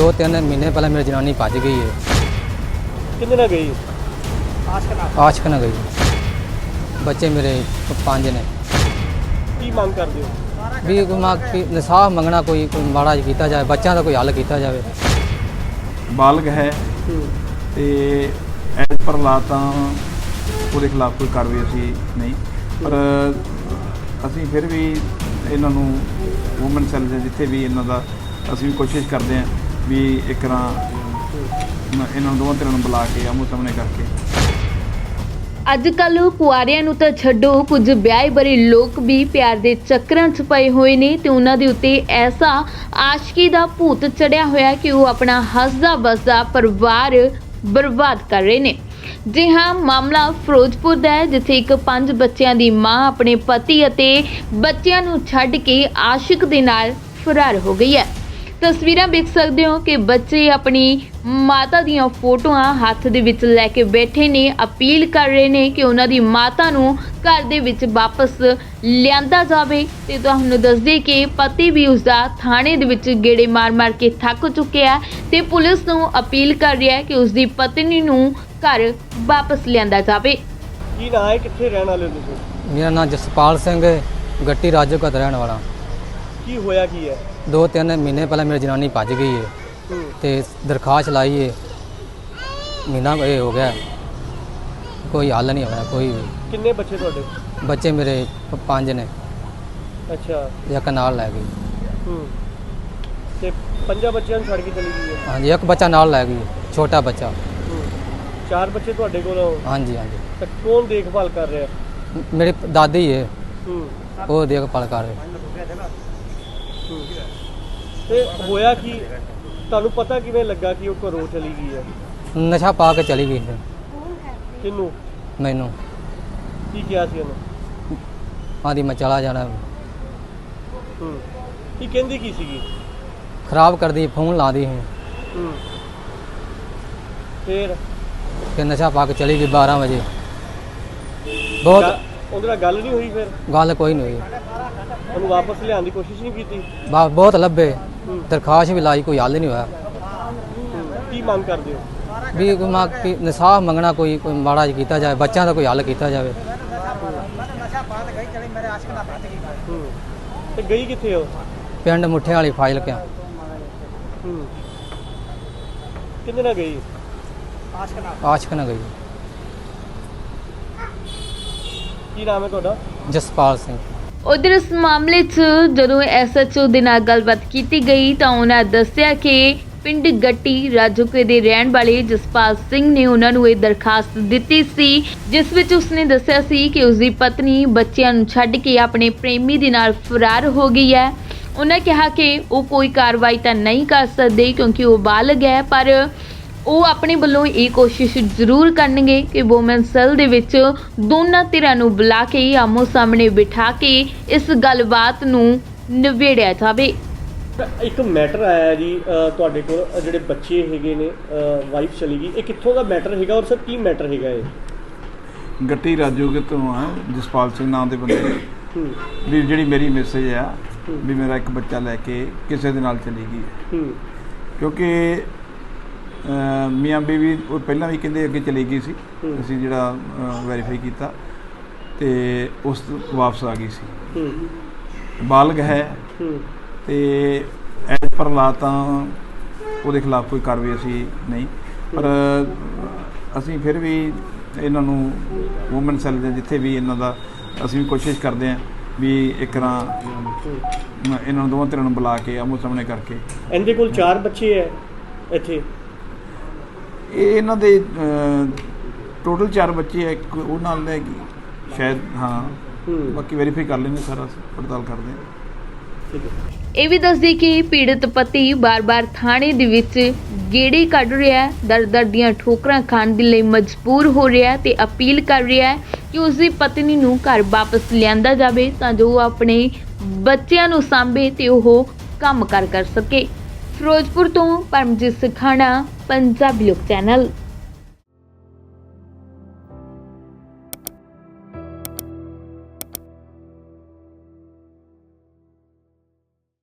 2-3 महीने पहले मेरी जनानी भज गई है। कितने ना गई? आशक न गई। बच्चे मेरे 5 ने। की मांग कर दियो? भी इंसाफ मंगना, कोई माड़ा किया जाए, बच्चों का कोई हल किया जाए। बालग है ਤੇ ਐਜ਼ ਪਰ ਲਾ ਤਾਂ ਉਹਦੇ ਖਿਲਾਫ ਕੋਈ ਕਾਰਵਾਈ ਅਸੀਂ ਨਹੀਂ, ਪਰ ਅਸੀਂ ਫਿਰ ਵੀ ਇਹਨਾਂ ਨੂੰ ਵੂਮਨ ਸੈੱਲ ਦੇ ਜਿੱਥੇ ਵੀ ਇਹਨਾਂ ਦਾ ਅਸੀਂ ਵੀ ਕੋਸ਼ਿਸ਼ ਕਰਦੇ ਹਾਂ ਵੀ ਇੱਕ ਤਰ੍ਹਾਂ ਇਹਨਾਂ ਨੂੰ ਦੋਵਾਂ ਧਿਰਾਂ ਨੂੰ ਬੁਲਾ ਕੇ ਆਮੋ ਸਾਹਮਣੇ ਕਰਕੇ। ਅੱਜ ਕੱਲ੍ਹ ਕੁਆਰਿਆਂ ਨੂੰ ਤਾਂ ਛੱਡੋ, ਕੁਝ ਵਿਆਹੇ ਬਰੇ ਲੋਕ ਵੀ ਪਿਆਰ ਦੇ ਚੱਕਰਾਂ 'ਚ ਪਏ ਹੋਏ ਨੇ ਤੇ ਉਹਨਾਂ ਦੇ ਉੱਤੇ ਐਸਾ ਆਸ਼ਕੀ ਦਾ ਭੂਤ ਚੜਿਆ ਹੋਇਆ ਕਿ ਉਹ ਆਪਣਾ ਹੱਸਦਾ ਵੱਸਦਾ ਪਰਿਵਾਰ ਬਰਬਾਦ ਕਰ ਰਹੇ ਨੇ। ਜੀ ਹਾਂ, ਮਾਮਲਾ ਫਿਰੋਜ਼ਪੁਰ ਦਾ ਹੈ, ਜਿੱਥੇ ਇੱਕ 5 ਬੱਚਿਆਂ ਦੀ ਮਾਂ ਆਪਣੇ ਪਤੀ ਅਤੇ ਬੱਚਿਆਂ ਨੂੰ ਛੱਡ ਕੇ ਆਸ਼ਿਕ ਦੇ ਨਾਲ ਫਰਾਰ ਹੋ ਗਈ ਹੈ। ਤਸਵੀਰਾਂ ਵੇਖ ਸਕਦੇ ਹੋ ਕਿ ਬੱਚੇ ਆਪਣੀ ਮਾਤਾ ਦੀਆਂ ਫੋਟੋਆਂ ਹੱਥ ਦੇ ਵਿੱਚ ਲੈ ਕੇ ਬੈਠੇ ਨੇ, ਅਪੀਲ ਕਰ ਰਹੇ ਨੇ ਕਿ ਉਹਨਾਂ ਦੀ ਮਾਤਾ ਨੂੰ ਘਰ ਦੇ ਵਿੱਚ ਵਾਪਸ ਲਿਆਂਦਾ ਜਾਵੇ। ਤੇ ਤੁਹਾਨੂੰ ਦੱਸਦੇ ਕਿ ਪਤੀ ਵੀ ਉਸਦਾ ਥਾਣੇ ਦੇ ਵਿੱਚ ਗੇੜੇ ਮਾਰ-ਮਾਰ ਕੇ ਥੱਕ ਚੁੱਕਿਆ ਤੇ ਪੁਲਿਸ ਨੂੰ ਅਪੀਲ ਕਰ ਰਿਹਾ ਹੈ ਕਿ ਉਸਦੀ ਪਤਨੀ ਨੂੰ ਘਰ ਵਾਪਸ ਲਿਆਂਦਾ ਜਾਵੇ। ਕੀ ਨਾਂ ਹੈ, ਕਿੱਥੇ ਰਹਿਣ ਵਾਲੇ ਹੋ ਤੁਸੀਂ? मेरा नाम जसपाल सिंह है, गट्टी राजो का रहने वाला। ਕੀ ਹੋਇਆ ਕੀ ਹੈ? 2-3 महीने पहले मेरी जनानी भज गई है तो दरखास्त लाई है, महीना ये हो गया, कोई हल नहीं होया कोई भी। ਕਿੰਨੇ ਬੱਚੇ ਤੁਹਾਡੇ? बच्चे मेरे 5 ने। ਅੱਛਾ। एक नाल लै गई। ਤੇ 5 ਬੱਚਿਆਂ ਨੂੰ ਛੱਡ ਕੇ ਚਲੀ ਗਈ ਹੈ? हाँ जी, एक बच्चा नाल लै गई, छोटा बच्चा। 4 ਬੱਚੇ ਤੁਹਾਡੇ ਕੋਲ? हाँ जी हाँ जी। ਤਾਂ ਕੌਣ ਦੇਖਭਾਲ ਕਰ ਰਿਹਾ? मेरी दादी है, ਹੂੰ। वो देखभाल कर रहे। ਤੇ ਹੋਇਆ ਕੀ, ਤੁਹਾਨੂੰ ਪਤਾ ਕਿਵੇਂ ਲੱਗਾ ਕਿ ਉਹ ਘਰੋਂ ਚਲੀ ਗਈ ਹੈ? नशा पा के चली गई थी। ਕਿਹਨੂੰ? मैनू ਕੀ ਕਿਹਾ ਸੀ ਉਹਨੂੰ? आदि मैं चला जाना। ਕੀ ਕਹਿੰਦੀ ਕੀ ਸੀਗੀ? खराब कर दी, फोन ला दी। ਫਿਰ फिर नशा पा के चली गई 12 बजे। बहुत ਉਹਦੇ ਨਾਲ ਗੱਲ ਨਹੀਂ ਹੋਈ? ਫਿਰ गल कोई नहीं हुई। ਉਹਨੂੰ ਵਾਪਸ ਲਿਆਉਣ ਦੀ ਕੋਸ਼ਿਸ਼ ਨਹੀਂ ਕੀਤੀ? बहुत लब्बे, दरखास्त भी लाई, कोई हल नहीं होया। ਕੀ ਮੰਗ ਕਰਦੇ ਹੋ? भी इंसाफ मंगना, कोई माड़ा किया जाए, बच्चों का कोई हल किया जाए। ਤੇ ਗਈ ਕਿੱਥੇ ਹੋ? पिंड मुठे वाली फाइल क्या। ਕਿੰਨੇ ਨਾਲ ਗਈ? आशक न गई। ਕੀ ਨਾਮ ਹੈ ਤੁਹਾਡਾ? जसपाल सिंह। ਉਧਰ ਇਸ ਮਾਮਲੇ 'ਚ ਜਦੋਂ SHO ਦੇ ਨਾਲ ਗੱਲਬਾਤ ਕੀਤੀ ਗਈ ਤਾਂ ਉਹਨਾਂ ਦੱਸਿਆ ਕਿ ਪਿੰਡ ਗੱਟੀ ਰਾਜੋਕੇ ਦੇ ਰਹਿਣ ਵਾਲੇ ਜਸਪਾਲ ਸਿੰਘ ਨੇ ਉਹਨਾਂ ਨੂੰ ਇਹ ਦਰਖਾਸਤ ਦਿੱਤੀ ਸੀ, ਜਿਸ ਵਿੱਚ ਉਸਨੇ ਦੱਸਿਆ ਸੀ ਕਿ ਉਸਦੀ ਪਤਨੀ ਬੱਚਿਆਂ ਨੂੰ ਛੱਡ ਕੇ ਆਪਣੇ ਪ੍ਰੇਮੀ ਦੇ ਨਾਲ ਫਰਾਰ ਹੋ ਗਈ ਹੈ। ਉਹਨਾਂ ਕਿਹਾ ਕਿ ਉਹ ਕੋਈ ਕਾਰਵਾਈ ਤਾਂ ਨਹੀਂ ਕਰ ਸਕਦੇ ਕਿਉਂਕਿ ਉਹ ਬਾਲਗ ਹੈ, ਪਰ ਉਹ ਆਪਣੇ ਵੱਲੋਂ ਇਹ ਕੋਸ਼ਿਸ਼ ਜ਼ਰੂਰ ਕਰਨਗੇ ਕਿ ਵੂਮਨ ਸੈੱਲ ਦੇ ਵਿੱਚ ਦੋਨਾਂ ਧਿਰਾਂ ਨੂੰ ਬੁਲਾ ਕੇ ਆਮੋ ਸਾਹਮਣੇ ਬਿਠਾ ਕੇ ਇਸ ਗੱਲਬਾਤ ਨੂੰ ਨਿਬੇੜਿਆ ਜਾਵੇ। ਇੱਕ ਮੈਟਰ ਆਇਆ ਜੀ ਤੁਹਾਡੇ ਕੋਲ, ਜਿਹੜੇ ਬੱਚੇ ਹੈਗੇ ਨੇ, ਵਾਈਫ ਚਲੀ ਗਈ, ਇਹ ਕਿੱਥੋਂ ਦਾ ਮੈਟਰ ਹੈਗਾ ਔਰ ਸਰ ਕੀ ਮੈਟਰ ਹੈਗਾ ਇਹ? ਗੱਟੀ ਰਾਜੋਗੇ ਤੋਂ ਆ, ਜਸਪਾਲ ਸਿੰਘ ਨਾਮ ਦੇ ਬੰਦੇ ਵੀ ਜਿਹੜੀ ਮੇਰੀ ਮੈਸੇਜ ਆ ਵੀ ਮੇਰਾ ਇੱਕ ਬੱਚਾ ਲੈ ਕੇ ਕਿਸੇ ਦੇ ਨਾਲ ਚਲੀ ਗਈ। ਕਿਉਂਕਿ ਮੀਆਂ ਬੀਵੀ ਉਹ ਪਹਿਲਾਂ ਵੀ ਕਹਿੰਦੇ ਅੱਗੇ ਚਲੀ ਗਈ ਸੀ, ਅਸੀਂ ਜਿਹੜਾ ਵੈਰੀਫਾਈ ਕੀਤਾ ਤੇ ਉਸ ਵਾਪਸ ਆ ਗਈ ਸੀ। ਬਾਲਗ ਹੈ ਤੇ ਐਜ਼ ਪਰ ਲਾ ਤਾਂ ਉਹਦੇ ਖਿਲਾਫ ਕੋਈ ਕਾਰਵਾਈ ਅਸੀਂ ਨਹੀਂ, ਪਰ ਅਸੀਂ ਫਿਰ ਵੀ ਇਹਨਾਂ ਨੂੰ ਵੂਮਨ ਸੈੱਲ ਦੇ ਜਿੱਥੇ ਵੀ ਇਹਨਾਂ ਦਾ ਅਸੀਂ ਵੀ ਕੋਸ਼ਿਸ਼ ਕਰਦੇ ਹਾਂ ਵੀ ਇੱਕ ਤਰ੍ਹਾਂ ਇਹਨਾਂ ਨੂੰ ਦੋਵਾਂ ਧਿਰਾਂ ਨੂੰ ਬੁਲਾ ਕੇ ਆਮੋ ਸਾਹਮਣੇ ਕਰਕੇ। ਇਹਦੇ ਕੋਲ 4 ਬੱਚੇ ਹੈ ਇੱਥੇ? ਇਹ ਇਹਨਾਂ ਦੇ ਟੋਟਲ 4 ਬੱਚੇ ਹੈ, ਇੱਕ ਉਹ ਨਾਲ ਲੈ ਗਈ ਸ਼ਾਇਦ। ਹਾਂ, ਬਾਕੀ ਵੈਰੀਫਾਈ ਕਰ ਲੈਂਦੇ, ਸਾਰਾ ਪੜਤਾਲ ਕਰਦੇ ਹਾਂ। ਇਹ ਵੀ ਦੱਸਦੀ ਕਿ ਪੀੜਤ ਪਤੀ ਬਾਰ-ਬਾਰ ਥਾਣੇ ਦੇ ਵਿੱਚ ਗੇੜੇ ਕੱਢ ਰਿਹਾ ਹੈ, ਦਰ-ਦਰ ਦੀਆਂ ਠੋਕਰਾਂ ਖਾਣ ਦੇ ਲਈ ਮਜਬੂਰ ਹੋ ਰਿਹਾ ਹੈ ਤੇ ਅਪੀਲ ਕਰ ਰਿਹਾ ਹੈ ਕਿ ਉਸਦੀ ਪਤਨੀ ਨੂੰ ਘਰ ਵਾਪਸ ਲਿਆਂਦਾ ਜਾਵੇ ਤਾਂ ਜੋ ਉਹ ਆਪਣੇ ਬੱਚਿਆਂ ਨੂੰ ਸਾਂਭੇ ਤੇ ਉਹ ਕੰਮ ਕਰ ਸਕੇ। ਫਿਰੋਜ਼ਪੁਰ ਤੋਂ ਪਰਮਜੀਤ ਸਿਖਾਣਾ, ਪੰਜਾਬੀ ਲੋਕ ਚੈਨਲ।